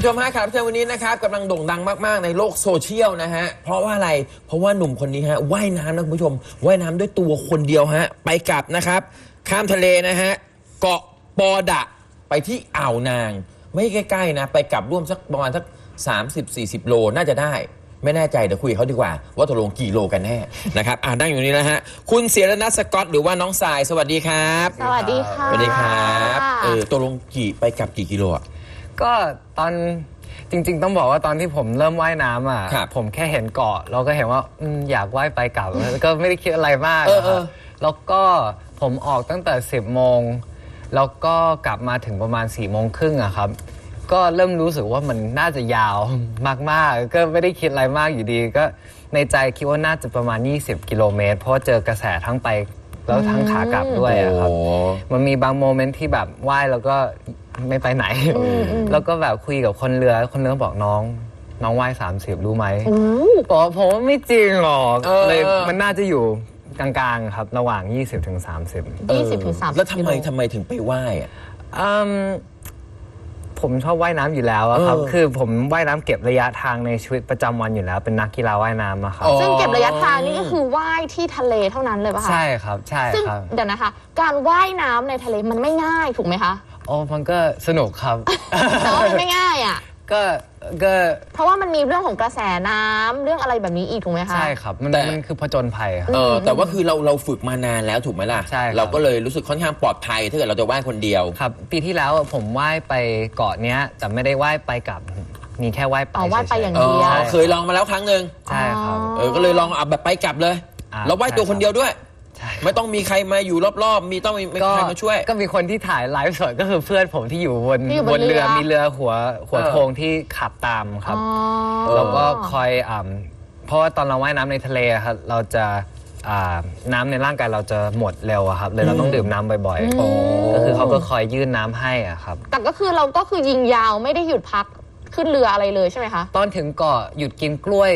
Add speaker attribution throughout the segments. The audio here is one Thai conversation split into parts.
Speaker 1: ชมฮะครับวันนี้นะครับกำลังโด่งดังมากๆในโลกโซเชียลนะฮะเพราะว่าอะไรเพราะว่าหนุ่มคนนี้ฮะว่ายน้ำนะคุณผู้ชมว่ายน้ำด้วยตัวคนเดียวฮะไปกลับนะครับข้ามทะเลนะฮะเกาะปอดะไปที่อ่าวนางไม่ใกล้ๆนะไปกลับร่วมสักประมาณสัก30-40 โลน่าจะได้ไม่แน่ใจเดี๋ยวคุยเขาดีกว่าว่าตกลงกี่โลกันแน่นะครับนั่งอยู่นี่แล้วฮะคุณเสียรนัทสกอตหรือว่าน้องสายสวัสดีครับ
Speaker 2: สวัสดีค่ะ
Speaker 1: สวัสดีครับตกลงไปกลับกี่กิโลอ่ะ
Speaker 3: ก็ตอนจริงๆต้องบอกว่าตอนที่ผมเริ่มว่ายน้ำอ่ะผมแค่เห็นเกาะเราก็เห็นว่าอยากว่ายไปกลับก็ไม่ได้คิดอะไรมากแล้วก็ผมออกตั้งแต่10 โมงแล้วก็กลับมาถึงประมาณ4 โมงครึ่งอะครับก็เริ่มรู้สึกว่ามันน่าจะยาวมากๆก็ไม่ได้คิดอะไรมากอยู่ดีก็ในใจคิดว่าน่าจะประมาณ20 กิโลเมตรเพราะเจอกระแสทั้งไปแล้วทั้งขากลับด้วยอะครับมันมีบางโมเมนต์ที่แบบว่ายแล้วก็ไม่ไปไหนแล้วก็แบบคุยกับคนเรือบอกน้องว่าย30รู้ไหมบอกผมว่าไม่จริงหรอกเลยมันน่าจะอยู่กลางๆครับระหว่าง20-30
Speaker 1: แล้วทำไมถึงไปว่ายอ่ะ
Speaker 3: ผมชอบว่ายน้ำอยู่แล้วครับคือผมว่ายน้ำเก็บระยะทางในชีวิตประจำวันอยู่แล้วเป็นนักกีฬาว่ายน้ำอะครับ
Speaker 2: ซึ่งเก็บระยะทางนี่ก็คือว่ายที่ทะเลเท่านั้นเลยป่ะคะ
Speaker 3: ใช่ครับใช่
Speaker 2: ซึ่งเดี๋ยวนะคะการว่ายน้ำในทะเลมันไม่ง่ายถูกไหมคะ
Speaker 3: มันก็สนุกครับ
Speaker 2: แต่ว่ามันไม่ง่ายอ่ะ
Speaker 3: ก็
Speaker 2: เพราะว่ามันมีเรื่องของกระแสน้ำเรื่องอะไรแบบนี้อีกถูกไหมคะ
Speaker 3: ใช่ครับมันคือผจญภัยครับ
Speaker 1: แต่ว่าคือเราฝึกมานานแล้วถูกไหมล่ะ
Speaker 3: ใช่
Speaker 1: เราก็เลยรู้สึกค่อนข้างปลอดภัยถ้าเกิดเราจะว่ายคนเดียว
Speaker 3: ครับปีที่แล้วผมว่ายไปเกาะเนี้ยแต่ไม่ได้ว่ายไปกับมีแค่ว่ายไป
Speaker 2: ว่ายไปอย่างเดียว
Speaker 1: เคยลองมาแล้วครั้งหนึ่ง
Speaker 3: ใช่ครับ
Speaker 1: ก็เลยลองแบบไปกลับเลยแล้วว่ายตัวคนเดียวด้วยไม่ต้องมีใครมาอยู่รอบๆต้องมีใครมาช่วย
Speaker 3: ก็มีคนที่ถ่ายไลฟ์สดก็คือเพื่อนผมที่อยู่บนเรือมีเรือหัวโถงที่ขับตามครับแล้วก็คอยเพราะว่าตอนเราว่ายน้ำในทะเลครับเราจะน้ำในร่างกายเราจะหมดเร็วครับเลยเราต้องดื่มน้ำบ่อยๆก็คือเขาก็คอยยื่นน้ำให้ครับ
Speaker 2: แต่ก็คือเราก็คือยิงยาวไม่ได้หยุดพักขึ้นเรืออะไรเลยใช่ไหมคะ
Speaker 3: ตอนถึงเกาะหยุดกินกล้วย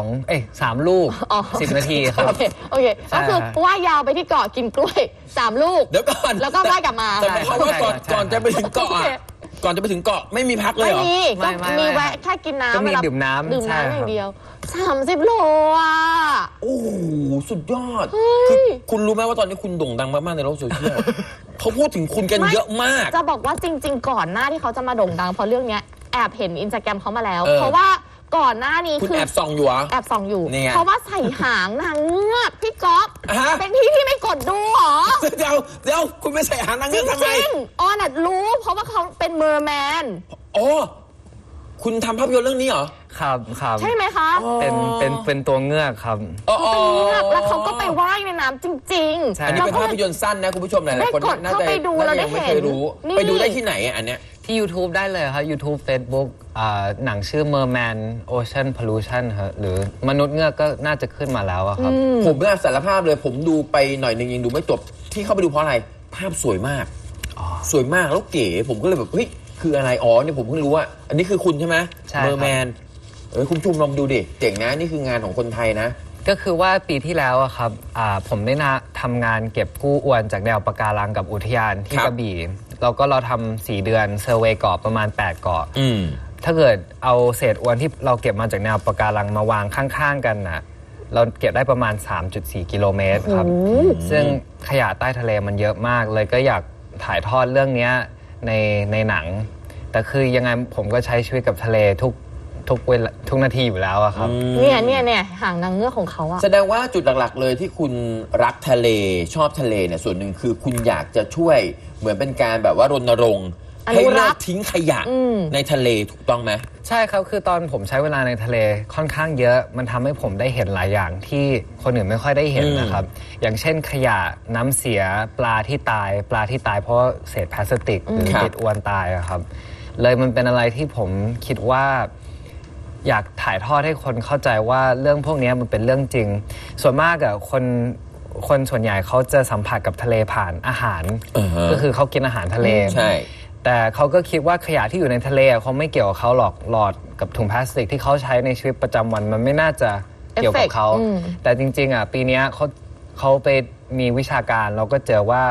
Speaker 3: 3 ลูก10 นาทีครับ
Speaker 2: โอเคก็คือว่ายาวไปที่เกาะกินกล้วย3 ลูก
Speaker 1: เดี๋ยวก่อน
Speaker 2: แล้วก็ว่ายกลับมา
Speaker 1: แต่เพราะว่าก่อนจะไปถึงเกาะไม่มีพักเลยเหรอ
Speaker 2: ไม่มีแวะแค่กินน้ำ
Speaker 3: ก็มีดื่มน้ำ
Speaker 2: อย่างเดียว30 โลอ่ะ
Speaker 1: โอ้โหสุดยอดคือคุณรู้ไหมว่าตอนนี้คุณโด่งดังมากๆในโลกโซเชียลเขาพูดถึงคุณกันเยอะมาก
Speaker 2: จะบอกว่าจริงๆก่อนหน้าที่เขาจะมาโด่งดังเพราะเรื่องนี้แอบเห็นอินสตาแกรมเขามาแล้วเพราะว่าก่อนหน้านี้
Speaker 1: คุณแอบส่องอยู่
Speaker 2: แอบส่องอยู่เพราะว่าใส่หางนางเงือกพี่ก๊อฟเป็นที่ไม่กดดูหรอ
Speaker 1: เดี๋ยวคุณไม่ใส่หางนางเงือกทำไม
Speaker 2: น่ะรู้เพราะว่าเขาเป็นเมอร์แมน
Speaker 1: คุณทำภาพยนตร์เรื่องนี้เหรอ
Speaker 3: ครับ
Speaker 2: ใช่ไหมคะ
Speaker 3: เป็นตัวเงือกครับ
Speaker 2: เป็นเงือกแล้วเขาก็ไปว่ายในน้ำจริง
Speaker 1: ๆอันนี้เป็นภาพยนตร์สั้นนะคุณผู้ชมหลายๆคนน่าจะ
Speaker 2: ไปดูเราได้เห็น
Speaker 1: ไปดูได้ที่ไหนอันเนี้ย
Speaker 3: ที่ YouTube ได้เลยครับ YouTube Facebook หนังชื่อ Merman Ocean Pollution ครับหรือมนุษย์เงือกก็น่าจะขึ้นมาแล้วครับ
Speaker 1: ผมน่าสารภาพเลยผมดูไปหน่อยนึงยังดูไม่จบที่เข้าไปดูเพราะอะไรภาพสวยมากแล้วเก๋ผมก็เลยแบบเฮ้ยคืออะไรเนี่ยผมเพิ่งรู้ว่าอันนี้คือคุณใช่ไหม Merman คุณชุมลองดูดิเจ๋งนะนี่คืองานของคนไทยนะ
Speaker 3: ก็คือว่าปีที่แล้วครับผมได้ทำงานเก็บกู้อวนจากแนวปะการังกับอุทยานที่กระบี่แล้วก็เราทำ4 เดือนเซอร์เวย์เกาะประมาณ8 เกาะถ้าเกิดเอาเศษอวนที่เราเก็บมาจากแนวปะการังมาวางข้างๆกันนะเราเก็บได้ประมาณ 3.4 กิโลเมตรครับซึ่งขยะใต้ทะเลมันเยอะมากเลยก็อยากถ่ายทอดเรื่องนี้ในหนังแต่คือยังไงผมก็ใช้ชีวิตกับทะเลทุกนาทีอยู่แล้วครับ
Speaker 2: เนี่ยหางนางเงือกของเขาอะ
Speaker 1: แสดงว่าจุดหลักๆเลยที่คุณรักทะเลชอบทะเลเนี่ยส่วนหนึ่งคือคุณอยากจะช่วยเหมือนเป็นการแบบว่ารณรงค์ให้เลิกทิ้งขยะในทะเลถูกต้องไหม
Speaker 3: ใช่ครับคือตอนผมใช้เวลาในทะเลค่อนข้างเยอะมันทำให้ผมได้เห็นหลายอย่างที่คนอื่นไม่ค่อยได้เห็นนะครับอย่างเช่นขยะน้ำเสียปลาที่ตายเพราะเศษพลาสติกหรือติดอวนตายครับเลยมันเป็นอะไรที่ผมคิดว่าอยากถ่ายทอดให้คนเข้าใจว่าเรื่องพวกนี้มันเป็นเรื่องจริงส่วนมากคนส่วนใหญ่เขาจะสัมผัสกับทะเลผ่านอาหารก็คือเขากินอาหารทะเล
Speaker 1: ใช่
Speaker 3: แต่เขาก็คิดว่าขยะที่อยู่ในทะเลเขาไม่เกี่ยวกับเขาหรอกหลอดกับถุงพลาสติกที่เขาใช้ในชีวิตประจำวันมันไม่น่าจะเกี่ยวกับเขาแต่จริงๆปีนี้เขาไปมีวิชาการเราก็เจอว่า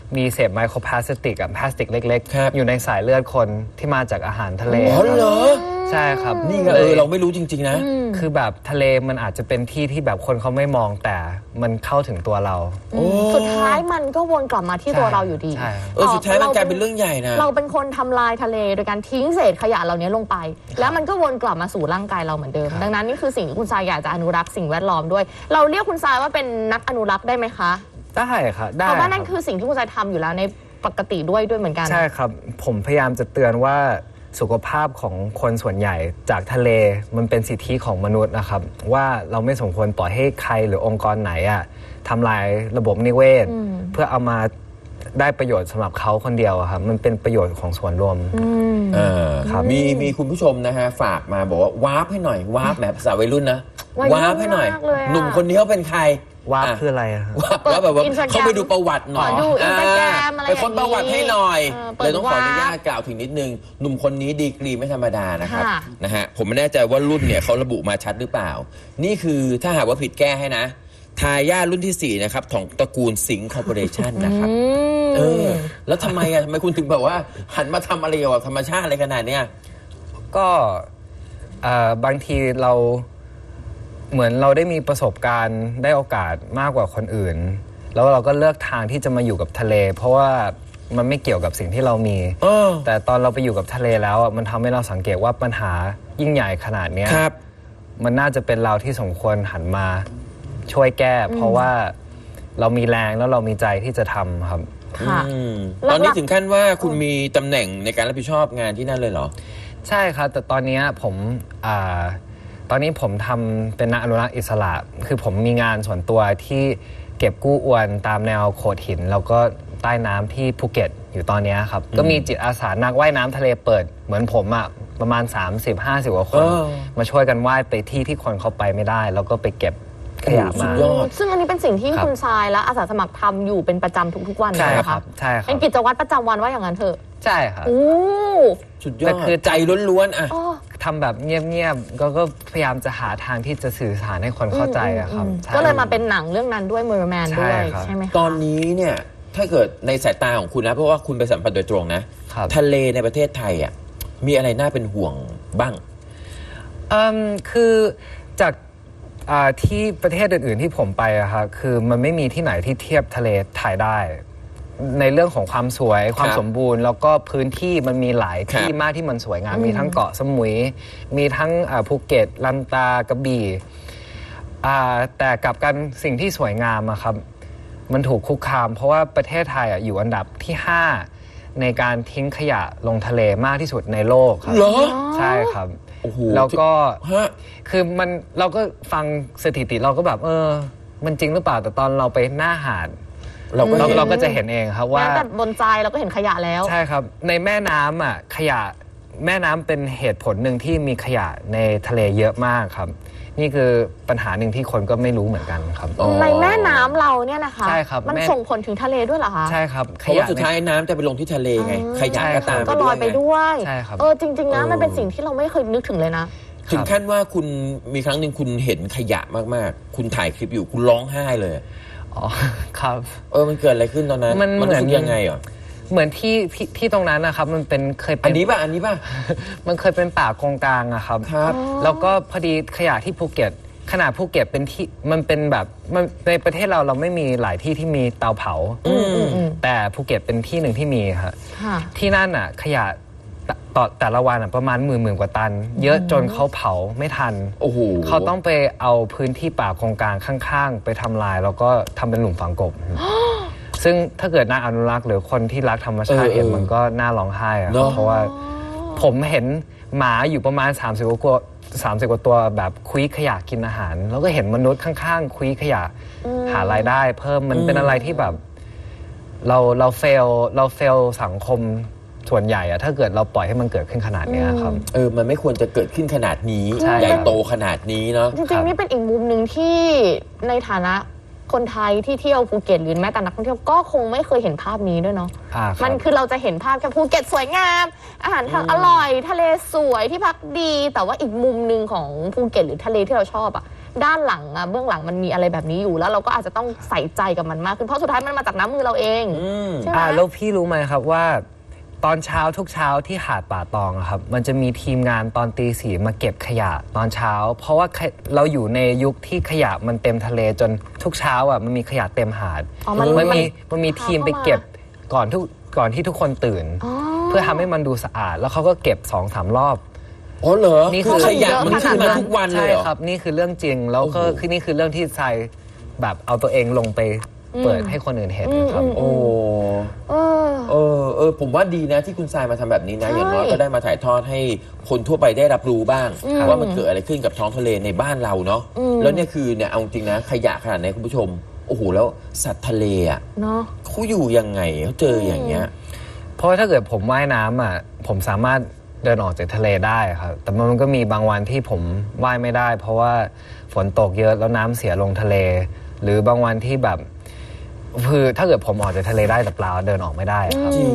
Speaker 3: มีเศษไมโครพลาสติกกับพลาสติกเล็ก
Speaker 1: ครับ
Speaker 3: ๆ อยู่ในสายเลือดคนที่มาจากอาหารทะเล
Speaker 1: อ๋อเหรอ
Speaker 3: ใช่ครับ
Speaker 1: นี่ไงเราไม่รู้จริงๆนะ
Speaker 3: คือแบบทะเลมันอาจจะเป็นที่ที่แบบคนเขาไม่มองแต่มันเข้าถึงตัวเรา
Speaker 2: สุดท้ายมันก็วนกลับมาที่ตัวเราอยู่ดี
Speaker 3: ใช่
Speaker 1: สุดท้ายมันกลายเป็นเรื่องใหญ่นะ
Speaker 2: เราเป็นคนทำลายทะเลโดยการทิ้งเศษขยะเหล่านี้ลงไป แล้วมันก็วนกลับมาสู่ร่างกายเราเหมือนเดิม ดังนั้นนี่คือสิ่งที่คุณทรายอยากจะอนุรักษ์สิ่งแวดล้อมด้วย เราเรียกคุณทรายว่าเป็นนักอนุรักษ์ได้ไหมคะ
Speaker 3: ได้ครับได้
Speaker 2: เพราะว่านั่น
Speaker 3: รับ
Speaker 2: คือสิ่งที่คุณทรายทำอยู่แล้วในปกติด้วยเหมือนกัน
Speaker 3: ใช่ครับ ผมพยายามจะเตือนว่าสุขภาพของคนส่วนใหญ่จากทะเลมันเป็นสิทธิของมนุษย์นะครับ ว่าเราไม่สมควรปล่อยให้ใครหรือองค์กรไหนอะทำลายระบบนิเวศ เพื่อเอามาได้ประโยชน์สำหรับเขาคนเดียวอะครับมันเป็นประโยชน์ของส่วนรวม ครับ
Speaker 1: มีคุณผู้ชมนะฮะฝากมาบอกว่าวาร์ปให้หน่อยวาร์ปแบบภาษาวัยรุ่นนะ
Speaker 2: วัยรุ่น
Speaker 1: วาร์ปให้หน่อย
Speaker 2: มากเลยอะ
Speaker 1: หนุ่มคนนี้เขาเป็นใคร
Speaker 3: ว่าคืออะไรอะครับ
Speaker 1: วาร์ปแล้วแบบว่า
Speaker 2: Instagram
Speaker 1: เขาไปดูประวัติหน่อย
Speaker 2: ดู Instagram อะไร
Speaker 1: ไปค้นประวัติให้หน่อย
Speaker 2: เปิด
Speaker 1: เลยต้องขออนุญาต
Speaker 2: วาร์ป
Speaker 1: กล่าวถึงนิดนึงหนุ่มคนนี้ดีกรีไม่ธรรมดานะครับ
Speaker 2: ค่ะ
Speaker 1: นะฮะผมไม่แน่ใจว่ารุ่นเนี่ยเขาระบุมาชัดหรือเปล่า นี่คือถ้าหากว่าผิดแก้ให้นะ ทายาทรุ่นที่ 4 นะครับของตระกูลสิงห์คอร์ปอเรชั่นนะครับแล้วทำไมคุณถึงแบบว่าหันมาทำอะไรเกี่ยวกับธรรมชาติอะไรขนาดเนี้ย
Speaker 3: ก็บางทีเราเหมือนเราได้มีประสบการณ์ได้โอกาสมากกว่าคนอื่น แล้วเราก็เลือกทางที่จะมาอยู่กับทะเล เพราะว่ามันไม่เกี่ยวกับสิ่งที่เรามี แต่ตอนเราไปอยู่กับทะเลแล้วมันทำให้เราสังเกตว่าปัญหายิ่งใหญ่ขนาดเนี้ย
Speaker 1: ครับ
Speaker 3: มันน่าจะเป็นเราที่สมควรหันมาช่วยแก้ เพราะว่าเรามีแรงแล้วเรามีใจที่จะทำครับ
Speaker 2: ค่ะ
Speaker 1: ตอนนี้ถึงขั้นว่าคุณมีตำแหน่งในการรับผิดชอบงานที่นั่นเลยเหรอ
Speaker 3: ใช่ครับแต่ตอนนี้ตอนนี้ผมทำเป็นนักอนุรักษ์อิสระ คือผมมีงานส่วนตัวที่เก็บกู้อวนตามแนวโขดหิน แล้วก็ใต้น้ำที่ภูเก็ตอยู่ตอนนี้ครับ ก็มีจิตอาสานักว่ายน้ำทะเลเปิดเหมือนผมอะประมาณ 30-50 กว่าคน มาช่วยกันว่ายไปที่คนเขาไปไม่ได้ แล้วก็ไปเก็บขยะ
Speaker 1: สุ
Speaker 3: มา
Speaker 1: ดยอด
Speaker 2: ซึ่งอันนี้เป็นสิ่งที่
Speaker 3: ครับ
Speaker 2: คุณทรายและอาสาสมัครทำอยู่เป็นประจำทุกๆวัน
Speaker 3: ใช่
Speaker 2: เลยนะ
Speaker 3: ครั
Speaker 2: คะ
Speaker 3: บใช่ครับ
Speaker 2: เป็นกิจวัตรประจำวันว่าอย่างนั้นเถอะ
Speaker 3: ใช่ครับ
Speaker 2: โอ้
Speaker 1: สุดยอ
Speaker 3: แต่
Speaker 1: ด
Speaker 3: คือ
Speaker 1: ใจล้วนๆอ่ะ
Speaker 3: ทำแบบเงียบๆก็พยายามจะหาทางที่จะสื่อสารให้คนเข้าใจอะครับใช่
Speaker 2: ก็เลยมาเป็นหนังเรื่องนั้นด้วย Merman ด้วย
Speaker 3: ใช่ครับ
Speaker 2: ใช่ไหมคะ
Speaker 1: ตอนนี้เนี่ยถ้าเกิดในสายตาของคุณนะเพราะว่าคุณไปสัมผัสโดยตรงนะครับ ทะเลในประเทศไทยอ่ะมีอะไรน่าเป็นห่วงบ้าง
Speaker 3: คือจากที่ประเทศอื่นๆที่ผมไปอะครับคือมันไม่มีที่ไหนที่เทียบทะเลไทยได้ ในเรื่องของความสวยความสมบูรณ์ แล้วก็พื้นที่มันมีหลายที่มากที่มันสวยงามมีทั้งเกาะสมุย มีทั้งภูเก็ตลันตากระบี่แต่กลับกันสิ่งที่สวยงามอะครับมันถูกคุกคาม เพราะว่าประเทศไทยอยู่อันดับที่ 5 ในการทิ้งขยะลงทะเลมากที่สุดในโลกครับ
Speaker 1: เหรอ
Speaker 3: ใช่ครับ
Speaker 1: โอ้โห
Speaker 3: แล้วก็
Speaker 1: ฮะ
Speaker 3: คือเราก็ฟังสถิติเราก็แบบมันจริงหรือเปล่าแต่ตอนเราไปหน้าหาด
Speaker 1: เราก็เห็น
Speaker 3: เราก็จะเห็นเองครับว่า
Speaker 2: แม้แต่บนใจเราก็เห็นขยะแล้ว
Speaker 3: ใช่ครับในแม่น้ำอ่ะขยะแม่น้ำเป็นเหตุผลหนึ่งที่มีขยะในทะเลเยอะมากครับ นี่คือปัญหาหนึ่งที่คนก็ไม่รู้เหมือนกันครับ
Speaker 2: ในแม่น้ำเราเนี่ยนะคะ
Speaker 3: ใช่ครับ
Speaker 2: มัน
Speaker 3: แม่
Speaker 2: ส่งผลถึงทะเลด้วยเหรอคะ
Speaker 3: ใช่ครับ
Speaker 1: เพราะว่าสุดท้ายน้ำจะไปลงที่ทะเลไงขยะก็ตาม
Speaker 2: ก็ลอยไป
Speaker 1: ไง
Speaker 2: ด้วย
Speaker 3: ใช่ครับ
Speaker 2: จริงๆนะมันเป็นสิ่งที่เราไม่เคยนึกถึงเลยนะ
Speaker 1: ถึงขั้นว่าคุณมีครั้งหนึ่งคุณเห็นขยะมากๆ คุณถ่ายคลิปอยู่คุณร้องไห้เลย
Speaker 3: อ๋อครับ
Speaker 1: มันเกิดอะไรขึ้นตอนนั้น
Speaker 3: มัน
Speaker 1: รู้สึก
Speaker 3: เหมือน
Speaker 1: ยังไงเหรอ
Speaker 3: เหมือนที่ตรงนั้นนะครับมันเคยเป็
Speaker 1: อั
Speaker 3: น
Speaker 1: นนี้ป่ะ
Speaker 3: มันเคยเป็นป่าโกงกลางอะครับ
Speaker 1: ครับ
Speaker 3: แล้วก็พอดีขยะที่ภูเก็ตขนาดภูเก็ตเป็นที่มันเป็นแบบมันในประเทศเราไม่มีหลายที่ที่มีเตาเผาแต่ภูเก็ตเป็นที่หนึ่งที่มีครับ
Speaker 2: ค่ะ
Speaker 3: ที่นั่นอะขยะต่อแต่ละวันอะประมาณหมื่นกว่าตัน เยอะจนเขาเผาไม่ทัน
Speaker 1: โอ้โห
Speaker 3: เขาต้องไปเอาพื้นที่ป่าโกงกลางข้างๆ ไปทำลายแล้วก็ทำเป็นหลุมฝังกบ ซึ่งถ้าเกิดนักอนุรักษ์หรือคนที่รักธรรมชาติเห็นมันก็น่าร้องไห้อะครับเพราะว่าผมเห็นหมาอยู่ประมาณ30 กว่าตัวแบบคุยขยะกินอาหาร แล้วก็เห็นมนุษย์ข้างๆคุยขยะหารายได้เพิ่มมันเป็นอะไรที่แบบเราเฟลสังคมส่วนใหญ่อะถ้าเกิดเราปล่อยให้มันเกิดขึ้นขนาดเนี้ยครับ
Speaker 1: มันไม่ควรจะเกิดขึ้นขนาดนี้
Speaker 3: ใช่
Speaker 1: ใหญ่โตขนาดนี้เนาะ
Speaker 2: จริงๆนี่เป็นอีกมุมหนึ่งที่ในฐานะคนไทยที่เที่ยวภูเก็ตหรือแม้แต่นักท่องเที่ยวก็คงไม่เคยเห็นภาพนี้ด้วยเนาะ
Speaker 3: ครับ
Speaker 2: มันคือเราจะเห็นภาพแค่ภูเก็ตสวยงาม อาหารอร่อยทะเลสวยที่พักดี แต่ว่าอีกมุมหนึ่งของภูเก็ตหรือทะเลที่เราชอบอ่ะด้านหลังอะเบื้องหลังมันมีอะไรแบบนี้อยู่แล้วเราก็อาจจะต้องใส่ใจกับมันมากขึ้นเพราะสุดท้ายมันมาจากน้ำมือเราเองใช่ไหม
Speaker 3: แล้วพี่รู้ไหมครับว่าตอนเช้าทุกเช้าที่หาดป่าตองอะครับมันจะมีทีมงานตอนตีสี่มาเก็บขยะตอนเช้า เพราะว่าเราอยู่ในยุคที่ขยะมันเต็มทะเลจนทุกเช้าอ่ะมันมีขยะเต็มหาด มันมีทีมไปเก็บก่อนที่ทุกคนตื่น เพื่อทำให้มันดูสะอาด แล้วเขาก็เก็บ 2-3 รอบ
Speaker 1: อ๋อเหรอ
Speaker 3: นี่
Speaker 1: คือขยะมันขึ้นมาทุกวันเลย
Speaker 3: ใช่
Speaker 1: เหรอ
Speaker 3: ครับนี่คือเรื่องจริงแล้วก็คือนี่คือเรื่องที่ทรายแบบเอาตัวเองลงไปเปิดให้คนอื่นเห็นครับ
Speaker 1: โอ้ผมว่าดีนะที่คุณทรายมาทำแบบนี้นะ อย่างน้อยก็ได้มาถ่ายทอดให้คนทั่วไปได้รับรู้บ้างว่ามันเกิดอะไรขึ้นกับท้องทะเลในบ้านเราเนาะแล้วเนี่ยคือเนี่ยเอาจริงนะขยะขนาดไหนคุณผู้ชมโอ้โหแล้วสัตว์ทะเลอ่ะเขาอยู่ยังไงเขาเจออย่างเงี้ย
Speaker 3: เพราะถ้าเกิดผมว่ายน้ำอ่ะผมสามารถเดินออกจากทะเลได้ครับแต่มันก็มีบางวันที่ผมว่ายไม่ได้ เพราะว่าฝนตกเยอะแล้วน้ำเสียลงทะเล หรือบางวันที่แบบคือถ้าเกิดผมออกจากทะเลได้แต่เปล่าเดินออกไม่ได้ครับ
Speaker 1: จริง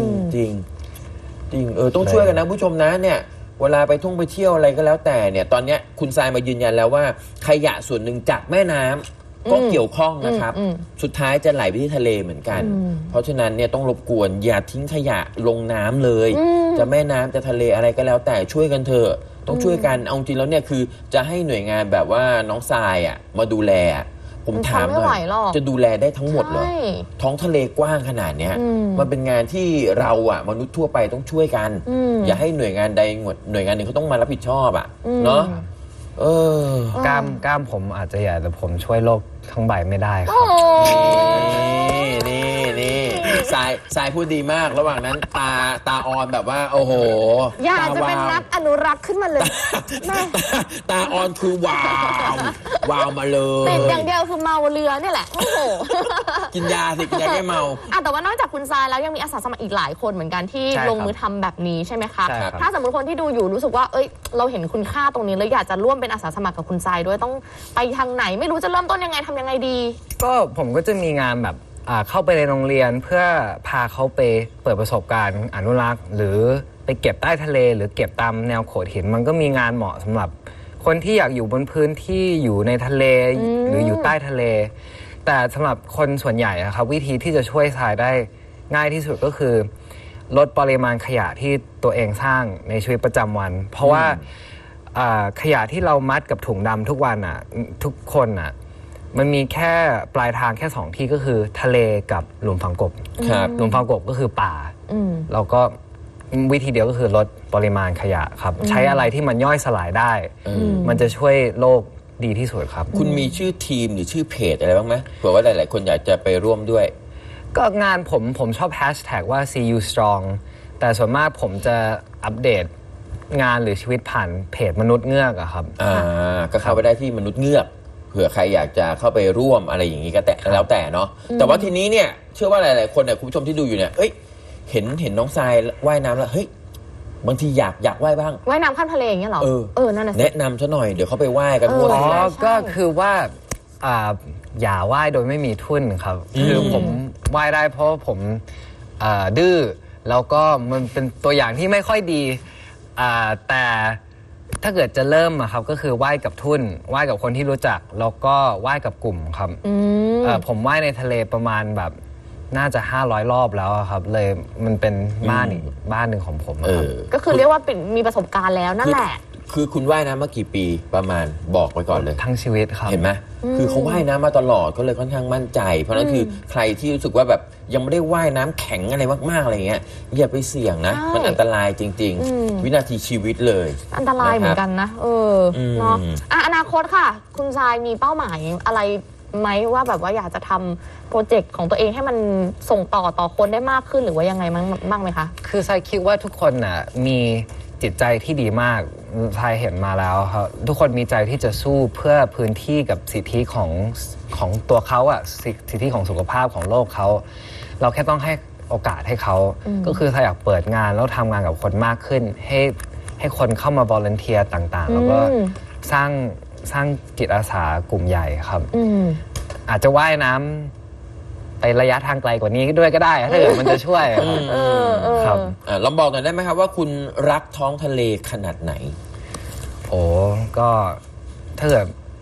Speaker 1: ต้องช่วยกันนะผู้ชมนะเนี่ยเวลาไปไปเที่ยวอะไรก็แล้วแต่เนี่ยตอนเนี้ยคุณทรายมายืนยันแล้วว่าขยะส่วนหนึ่งจากแม่น้ำก็เกี่ยวข้องนะครับสุดท้ายจะไหลไปที่ทะเลเหมือนกันเพราะฉะนั้นเนี่ยต้องรบกวนอย่าทิ้งขยะลงน้ำเลยจะแม่น้ำจะทะเลอะไรก็แล้วแต่ช่วยกันเถอะต้องช่วยกันเอาจริงแล้วเนี่ยคือจะให้หน่วยงานแบบว่าน้องทรายอ่ะมาดูแลผมถามหน่อยจะดูแลได้ทั้งหมดเหรอท้องทะเลกว้างขนาดเนี้ยมันเป็นงานที่เราอ่ะมนุษย์ทั่วไปต้องช่วยกันอย่าให้หน่วยงานใดหน่วยงานหนึ่งเขาต้องมารับผิดชอบอ่ะเนาะ
Speaker 3: กล้ามผมอาจจะใหญ่แต่ผมช่วยโลกทั้งใบไม่ได้ครับ
Speaker 1: นี่สายพูดดีมากระหว่างนั้นตาออนแบบว่าโอ้โห
Speaker 2: อยากจะเป็นนักอนุรักษ์ขึ้นมาเลย
Speaker 1: ตาออนคือว้าวมาเลย
Speaker 2: ติดอย่างเดียวคือเมาเรือเนี่ยแหละโอ้โห
Speaker 1: กินยาสิกินยาแก้เมา
Speaker 2: แต่ว่านอกจากคุณทรายแล้วยังมีอาสาสมัครอีกหลายคนเหมือนกันที่ลงมือทำแบบนี้ใช่ไหมคะถ้าสมมติคนที่ดูอยู่รู้สึกว่าเอ้ยเราเห็นคุณค่าตรงนี้แล้วอยากจะร่วมเป็นอาสาสมัครกับคุณทรายด้วยต้องไปทางไหนไม่รู้จะเริ่มต้นยังไงทำยังไงดี
Speaker 3: ก็ผมก็จะมีงานแบบเข้าไปในโรงเรียนเพื่อพาเขาไปเปิดประสบการณ์อนุรักษ์หรือไปเก็บใต้ทะเลหรือเก็บตามแนวโขดหินมันก็มีงานเหมาะสำหรับคนที่อยากอยู่บนพื้นที่อยู่ในทะเลหรืออยู่ใต้ทะเล แต่สำหรับคนส่วนใหญ่ครับวิธีที่จะช่วยทรายได้ง่ายที่สุดก็คือลดปริมาณขยะที่ตัวเองสร้างในชีวิตประจำวันเพราะว่าขยะที่เรามัดกับถุงดำทุกวันทุกคนมันมีแค่ปลายทางแค่2ที่ก็คือทะเลกับหลุมฝังกบหลุมฝังกบก็คือป่าแล้วก็วิธีเดียวก็คือลดปริมาณขยะครับใช้อะไรที่มันย่อยสลายได้มันจะช่วยโลกดีที่สุดครับ
Speaker 1: คุณมีชื่อทีมหรือชื่อเพจอะไรบ้างไหมเผื่อว่าหลายๆคนอยากจะไปร่วมด้วย
Speaker 3: ก็งานผมชอบแฮชแท็กว่า See You Strong แต่ส่วนมากผมจะอัปเดตงานหรือชีวิตผ่านเพจมนุษย์เงือกครับ
Speaker 1: ก็เข้าไปได้ที่มนุษย์เงือกเผื่อใครอยากจะเข้าไปร่วมอะไรอย่างนี้ก็แล้วแต่เนาะแต่ว่าทีนี้เนี่ยเชื่อว่าหลายๆคนเนี่ยคุณผู้ชมที่ดูอยู่เนี่ยเห็นน้องทรายว่ายน้ำแล้วเฮ้ยบางทีอยากว่ายบ้าง
Speaker 2: ว่ายน้ำข้ามทะเลอย่างเงี้ยหรอนั่นน่ะ
Speaker 1: แนะนำซะหน่อยเดี๋ยวเขาไปว่ายกันทั่ว
Speaker 3: เลยก็คือว่าอย่าว่ายโดยไม่มีทุ่นครับคือผมว่ายได้เพราะผมดื้อแล้วก็มันเป็นตัวอย่างที่ไม่ค่อยดีแต่ถ้าเกิดจะเริ่มครับก็คือว่ายกับทุ่นว่ายกับคนที่รู้จักแล้วก็ว่ายกับกลุ่มครับผมว่ายในทะเลประมาณแบบน่าจะ500 รอบแล้วครับเลยมันเป็นบ้านหนึ่งของผม
Speaker 2: ก็คือเรียกว่ามีประสบการณ์แล้วนั่นแหละ
Speaker 1: คือคุณว่ายน้ำมากี่ปีประมาณบอกไปก่อนเลย
Speaker 3: ทั้งชีวิตครับ
Speaker 1: เห็นไหมคือเขาว่ายน้ำมาตลอดก็เลยค่อนข้างมั่นใจเพราะนั้นคือใครที่รู้สึกว่าแบบยังไม่ได้ว่ายน้ำแข็งอะไรมากๆอะไรเงี้ยอย่าไปเสี่ยงนะมันอันตรายจริงๆวินาทีชีวิตเลย
Speaker 2: อันตรายเหมือนกันนะเนาะอนาคตค่ะคุณทรายมีเป้าหมายอะไรไหมว่าแบบว่าอยากจะทำโปรเจกต์ของตัวเองให้มันส่งต่อคนได้มากขึ้นหรือว่ายังไงบ้างไหมคะ
Speaker 3: คือทรายคิดว่าทุกคนมีจิตใจที่ดีมากทรายเห็นมาแล้วครับทุกคนมีใจที่จะสู้เพื่อพื้นที่กับสิทธิของตัวเขาสิทธิของสุขภาพของโลกเขาเราแค่ต้องให้โอกาสให้เขาก็คือทรายอยากเปิดงานแล้วทำงานกับคนมากขึ้นให้คนเข้ามาวอลเนเทียร์ต่างๆแล้วก็สร้างจิตอาสากลุ่มใหญ่ครับอาจจะว่ายน้ำไประยะทางไกลกว่านี้ด้วยก็ได้ถ้าเกิดมันจะช่วยครับ
Speaker 1: ลองบอกหน่อยได้ไหมครับว่าคุณรักท้องทะเลขนาดไหน
Speaker 3: ก็ถ้าเกิด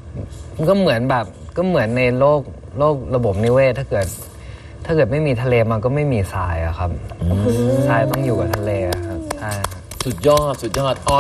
Speaker 3: ก็เหมือนแบบก็เหมือนในโลกระบบนิเวศถ้าเกิดไม่มีทะเลมันก็ไม่มีทรายอะครับทรายต้องอยู่กับทะเลครับใช่
Speaker 1: สุดยอดอ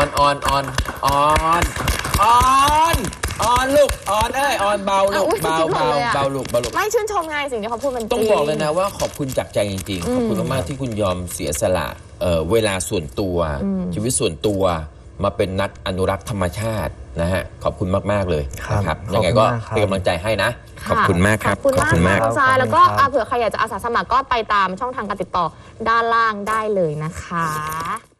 Speaker 1: อนลูกออนออนเบาลูกเบาลูก
Speaker 2: ไม่ชื่นชมไงสิ่งที่เขาพูดมันจริง
Speaker 1: ต้องบอกเลยนะว่าขอบคุณจากใจจริงๆขอบคุณมากๆที่คุณยอมเสียสละเวลาส่วนตัวชีวิตส่วนตัวมาเป็นนักอนุรักษ์ธรรมชาตินะฮะขอบคุณมากๆเลยนะครับยังไงก็เป็นกำลังใจให้นะขอบคุณมากครับ
Speaker 2: ขอบคุณมากคุณทรายแล้วก็เผื่อใครอยากจะอาสาสมัครก็ไปตามช่องทางการติดต่อด้านล่างได้เลยนะคะ